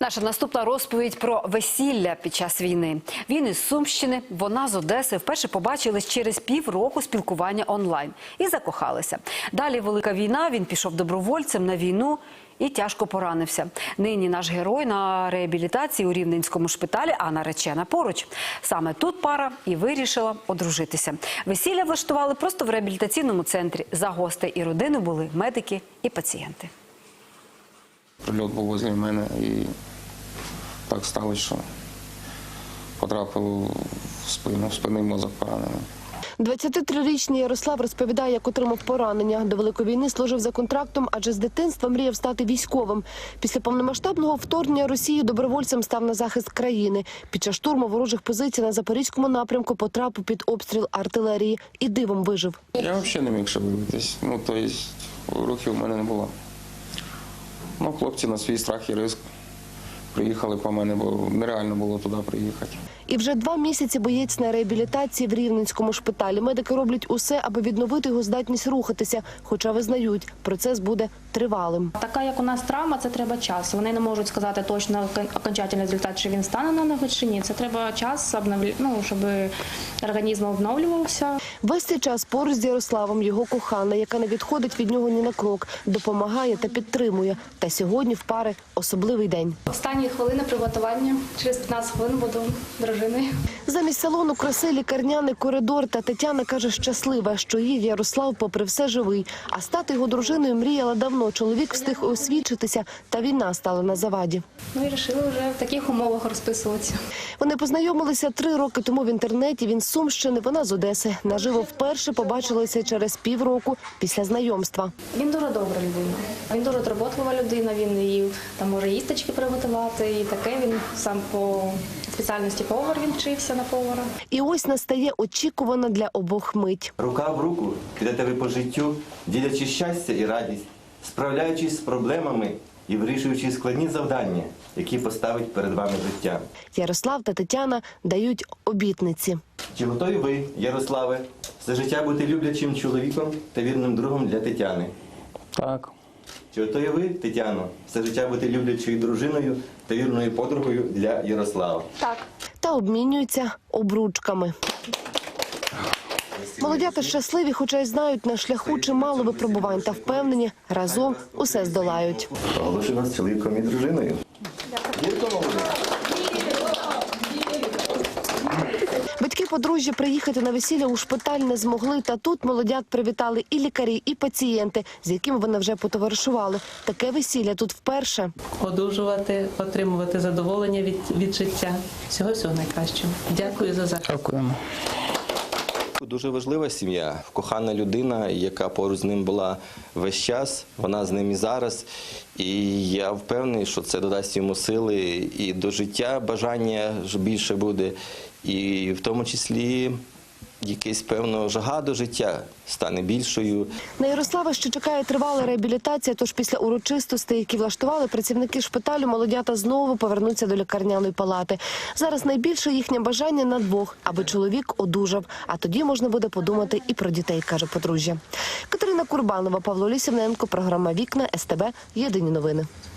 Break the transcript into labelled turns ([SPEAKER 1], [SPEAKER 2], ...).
[SPEAKER 1] Наша наступна розповідь про весілля під час війни. Він із Сумщини, вона з Одеси. Вперше побачились через півроку спілкування онлайн і закохалися. Далі велика війна, він пішов добровольцем на війну і тяжко поранився. Нині наш герой на реабілітації у Рівненському шпиталі, а наречена поруч. Саме тут пара і вирішила одружитися. Весілля влаштували просто в реабілітаційному центрі. За гостей і родини були медики і пацієнти.
[SPEAKER 2] Прильот був возле мене і так сталося, що потрапив в спину, спинний мозок поранений.
[SPEAKER 3] 23-річний Ярослав розповідає, як отримав поранення. До Великої війни служив за контрактом, адже з дитинства мріяв стати військовим. Після повномасштабного вторгнення Росії добровольцем став на захист країни. Під час штурму ворожих позицій на Запорізькому напрямку потрапив під обстріл артилерії і дивом вижив.
[SPEAKER 2] Я взагалі не міг ще вибитись. Тобто рухів у мене не було. Хлопці на свій страх і ризик приїхали по мене, бо нереально було туди приїхати.
[SPEAKER 3] І вже 2 місяці боєць на реабілітації в Рівненському шпиталі. Медики роблять усе, аби відновити його здатність рухатися, хоча визнають, процес буде тривалим.
[SPEAKER 4] Така, як у нас травма, це треба час. Вони не можуть сказати точно окончательний результат, чи він стане на ноги, чи ні. Це треба час, щоб організм обновлювався.
[SPEAKER 3] Весь цей час поруч з Ярославом його кохана, яка не відходить від нього ні на крок, допомагає та підтримує. Та сьогодні в пари особливий день.
[SPEAKER 4] Останні хвилини приготування. Через 15 хвилин буду дружиною.
[SPEAKER 3] Замість салону краси лікарняний коридор, та Тетяна каже, щаслива, що її Ярослав попри все живий. А стати його дружиною мріяла давно. Чоловік встиг освідчитися, та війна стала на заваді.
[SPEAKER 4] І вирішили вже в таких умовах розписуватися.
[SPEAKER 3] Вони познайомилися 3 роки тому в інтернеті. Він з Сумщини, вона з Одеси. Наживо вперше побачилися через півроку після знайомства.
[SPEAKER 4] Він дуже добра людина. Він дуже турботлива людина. Він і може їсточки приготувати, і таке. Він сам по спеціальності повар, він вчився на повара.
[SPEAKER 3] І ось настає очікувана для обох мить.
[SPEAKER 5] Рука в руку підете ви по життю, ділячи щастя і радість, справляючись з проблемами і вирішуючи складні завдання, які поставить перед вами життя.
[SPEAKER 3] Ярослав та Тетяна дають обітниці.
[SPEAKER 5] Чи готові ви, Ярославе, все життя бути люблячим чоловіком та вірним другом для Тетяни?
[SPEAKER 2] Так.
[SPEAKER 5] Чи готові ви, Тетяно, все життя бути люблячою дружиною та вірною подругою для Ярослава?
[SPEAKER 4] Так.
[SPEAKER 3] Та обмінюються обручками. Молодята щасливі, хоча й знають, на шляху чимало випробувань, та впевнені, разом усе здолають.
[SPEAKER 5] Оголошую вас чоловіком і дружиною.
[SPEAKER 3] Батьки подружжя приїхати на весілля у шпиталь не змогли, та тут молодят привітали і лікарі, і пацієнти, з якими вони вже потоваришували. Таке весілля тут вперше.
[SPEAKER 6] Одужувати, отримувати задоволення від життя. Всього найкращого. Дякую за захист.
[SPEAKER 2] Дякуємо.
[SPEAKER 5] Дуже важлива сім'я, кохана людина, яка поруч з ним була весь час, вона з ним і зараз. І я впевнений, що це додасть йому сили і до життя, бажання більше буде, і в тому числі якась, певно, жага до життя стане більшою.
[SPEAKER 3] На Ярослава ще чекає тривала реабілітація, тож після урочистостей, які влаштували працівники шпиталю, молодята знову повернуться до лікарняної палати. Зараз найбільше їхнє бажання на двох, аби чоловік одужав. А тоді можна буде подумати і про дітей, каже подружжя. Катерина Курбанова, Павло Лісівненко, програма «Вікна», СТБ, Єдині новини.